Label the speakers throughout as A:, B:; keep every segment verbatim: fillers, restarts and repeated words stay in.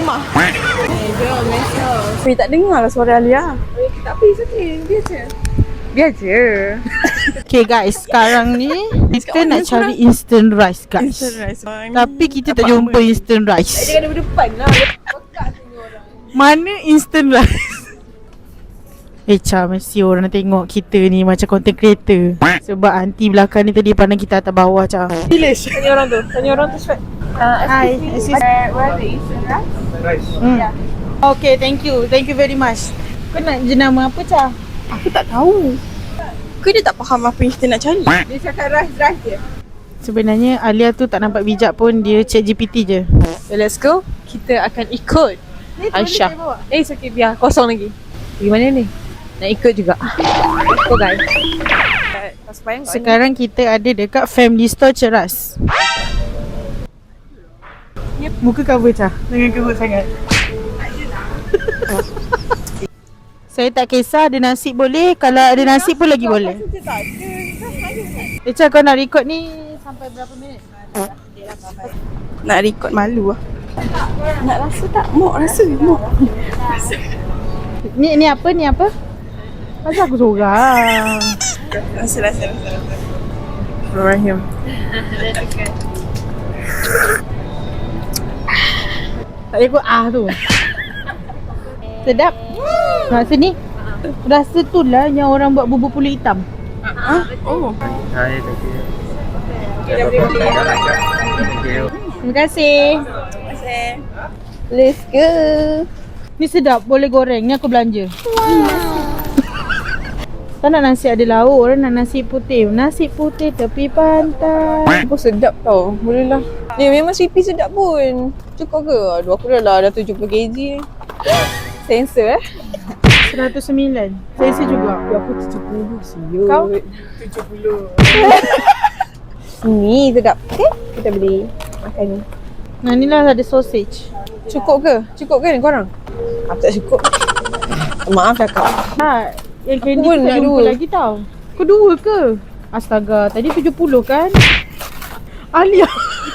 A: rumah. Eh, jangan mesej. Tapi tak dengar lah suara Alia. Tak apa, okay. Biar je. Biar je.
B: Okay guys, sekarang ni kita nak cari instant rice guys.
A: Instant rice.
B: Tapi kita tak jumpa instant rice.
A: Dia kena berdepan lah. Pekat tengok orang.
B: Mana instant rice? Eh Cha, mesti orang nak tengok kita ni macam content creator. Sebab aunty belakang ni tadi pandang kita atas bawah Cha.
A: Dilish. Tanya orang tu. Tanya orang tu cepat. Uh,
B: Hi,
A: excuse me. Uh, where the instant rice?
C: Rice.
B: Hmm.
A: Yeah.
B: Okay, thank you. Thank you very much. Kau nak jenama apa Cha?
A: Aku tak tahu. Kau dia tak faham apa yang kita nak cari. Dia cakap rice-rice je.
B: Sebenarnya Alia tu tak nampak bijak pun, dia chat G P T je.
A: So let's go. Kita akan ikut Aisyah. Eh, it's okay, biar kosong lagi. Pergi mana ni? Nak ikut juga. Let's go guys.
B: Sekarang kita ada dekat Family Store Ceras. Yep. Muka cover Cha. Jangan cover sangat. Saya tak kisah, ada nasi boleh. Kalau ada nasi pun lagi boleh. Eh Cha, kau nak record ni sampai berapa minit?
A: Nak record malu lah. Nak rasa tak? Mok rasa. Mok.
B: Ni ni apa? Ni apa? Masa aku seorang.
A: Rasa, rasa, rasa. Rahim.
B: Tak boleh ikut ah tu. Sedap. Rasa ni. Rasa tu lah yang orang buat bubur pulut hitam.
A: Ha? Oh.
C: Hai, thank you.
B: Terima kasih.
A: Terima kasih.
B: Let's go. Ni sedap, boleh goreng. Ni aku belanja. Wow. Tak nak nasi ada lauk, orang nak nasi putih. Nasi putih tepi pantai.
A: Apa sedap tau. Boleh lah. Ni memang sweepy sedap pun. Cukup ke? Aduh, aku dah lah dah tujuh puluh kilogram. Sensor eh.
B: seratus sembilan. Saya saya juga.
A: Ya, aku tujuh puluh siut.
B: Kau?
A: tujuh puluh. Ni sedap. Okay, kita beli makan ni.
B: Nah, ni lah ada sausage.
A: Cukup ke? Cukup ke ni korang? Aku tak cukup. Maaf cakap.
B: Ha, yang candy
A: pun
B: tu tak
A: nak
B: jumpa
A: dua.
B: lagi tau. Kau dua ke? Astaga, tadi tujuh puluh kan? Alia.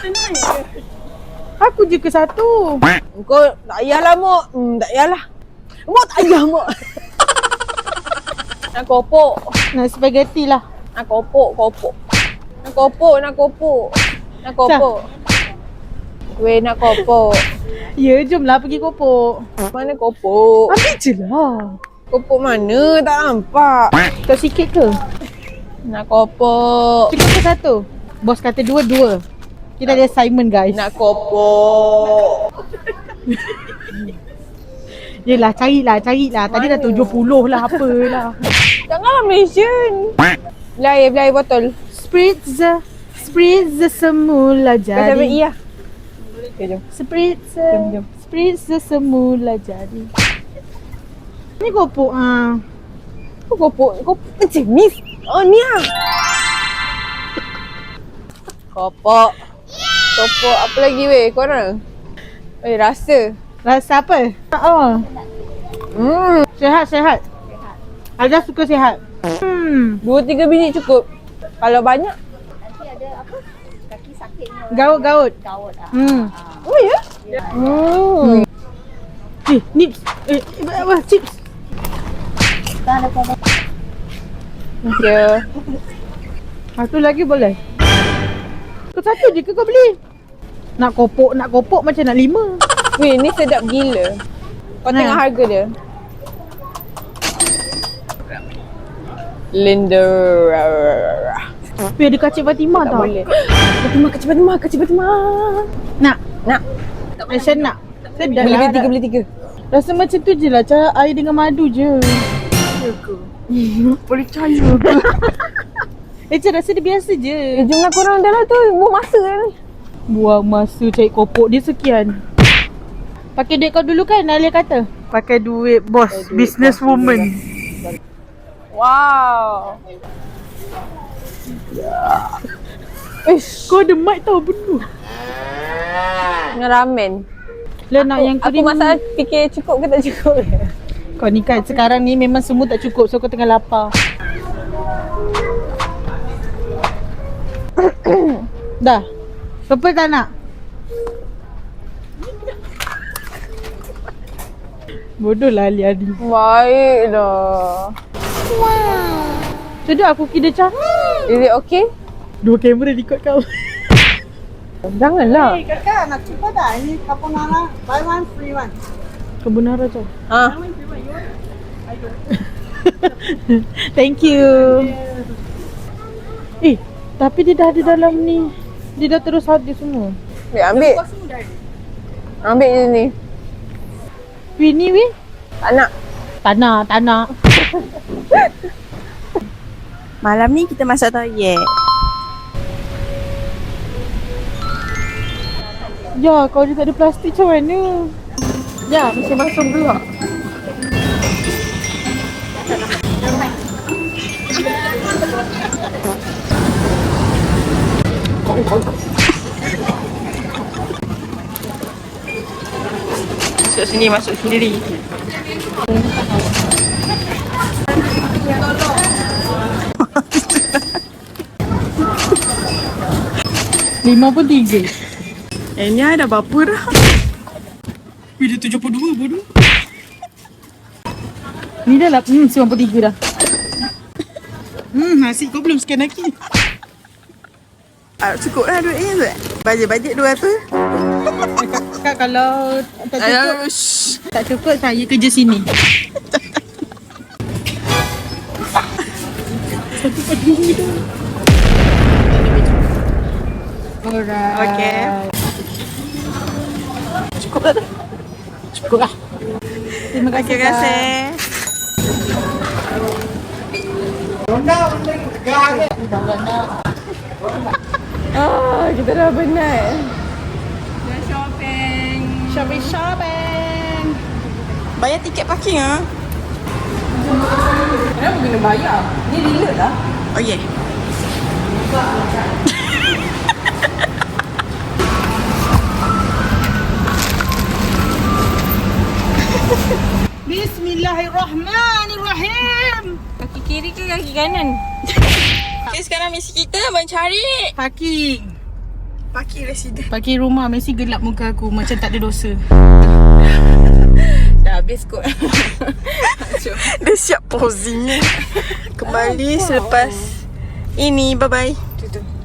B: Aku je ke satu.
A: Kau tak payahlah Mok. Hmm, tak payahlah. Mok tak payah Mok. Nak kopok.
B: Nak spaghetti lah.
A: Nak kopok, kopok. Nak kopok, nak kopok. Nak kopok. Weh, nak kopok.
B: Ya, jomlah pergi kopok.
A: Mana kopok?
B: Ambil je lah.
A: Kopok mana? Tak nampak.
B: Kau sikit ke?
A: Nak kopok.
B: Cukup ke satu? Bos kata dua, dua. Kita ada assignment guys.
A: Nak kopok.
B: Yelah, carilah, carilah. Tadi dah tujuh puluh lah, apalah.
A: Janganlah Malaysian. Beli air, beli air botol.
B: Spritz, spritz semula
A: Kau sampai
B: jadi.
A: iya. Okay, jom.
B: Spritz,
A: Jom, jom.
B: spritz semula jadi. Ni kopok ah.
A: Kau kopok, kopok macam ni. Oh, ni ah. Kopok. Kopok apa lagi weh korang? Eh, rasa.
B: Rasa apa? Oh,
A: Hmm,
B: sehat, sehat. Ada suka sehat. Hmm,
A: dua tiga biji cukup. Kalau banyak,
B: gaut, gaut. Hmm.
A: oh ya? Hmm.
B: Eh, nips. Eh, eh, apa? Chips.
A: Thank you.
B: Satu lagi boleh? Kau satu je ke kau beli? Nak kopok, nak kopok macam nak lima.
A: Weh, ni sedap gila. Kau
B: Ha.
A: tengok harga dia. Linda.
B: Weh, ada kacik Fatimah
A: Tak
B: tau.
A: boleh. Fatimah, kecil Fatimah, kecil Fatimah.
B: Nak?
A: Nak.
B: Aisyah nak? Sedap
A: Beli
B: lah.
A: beli tiga, beli tiga.
B: Rasa macam tu je lah, cara air dengan madu je.
A: Ya ke? Boleh percaya ke?
B: Eh, cik rasa dia biasa je.
A: Eh, jomlah korang dah lah tu. Buang masa kan ni.
B: Buang masa cari kopok dia sekian. Pakai duit kau dulu kan, Alia kata? Pakai duit bos,
A: Pakai duit
B: business
A: bos,
B: woman.
A: Wow.
B: Ish, kau ada mic tau, betul.
A: Dengan ramen.
B: Lah nak yang
A: Aku
B: kering.
A: masalah fikir cukup ke tak cukup.
B: Kau ni kan sekarang ni memang semua tak cukup, so kau tengah lapar. Dah. Purple tak nak? Bodoh lah Ali Adi.
A: Baik dah.
B: Sedap aku kira cah.
A: Is it okay?
B: Dua kamera record kau.
A: Janganlah.
C: kakak nak cuba tak? Ini carbonara buy one free one.
B: Carbonara cah.
A: Ha.
B: Thank you. Eh, tapi dia dah ada dalam ni. Dia dah terus ada semua.
A: Weh, ambil. Ambil je ni.
B: Weh ni weh.
A: Tak nak.
B: Tanah, tanah.
C: Malam ni kita masak toyek.
B: Ya, kalau dia tak ada plastik macam mana?
A: Ya, mesti masuk dulu.
C: Masuk sini, masuk sendiri.
B: Lima pun tiga.
C: Eh ni ada berapa dah? Dia tujuh puluh dua bodoh.
B: Ni dah lah, hmm, sembilan puluh tiga dah.
C: Hmm, nasi kau belum scan lagi. Ah, cukup lah duit ni tu. Bajet-bajet dua ratus.
B: Kak kalau tak cukup,
C: Alah, shh.
B: tak cukup saya kerja sini. Satu pagi ni dah. Alright.
C: Okey. Cukup tak tu?
B: Cukup lah. Terima kasih.
C: Terima kasih.
A: Ah, kita dah penat.
C: Dah shopping.
B: Shopping, shopping.
C: Bayar tiket parking ah.
A: Kenapa kena bayar? Ni reload lah.
C: Oh yeah.
B: Bismillahirrahmanirrahim.
C: Kaki kiri ke kaki kanan? Okay, sekarang misi kita mencari
B: Parking.
C: parking residen.
B: Parking rumah mesti gelap muka aku macam tak ada dosa.
C: Dah habis kot. Dah siap posingnya. Kembali selepas ini. Bye bye.
A: Tu tu.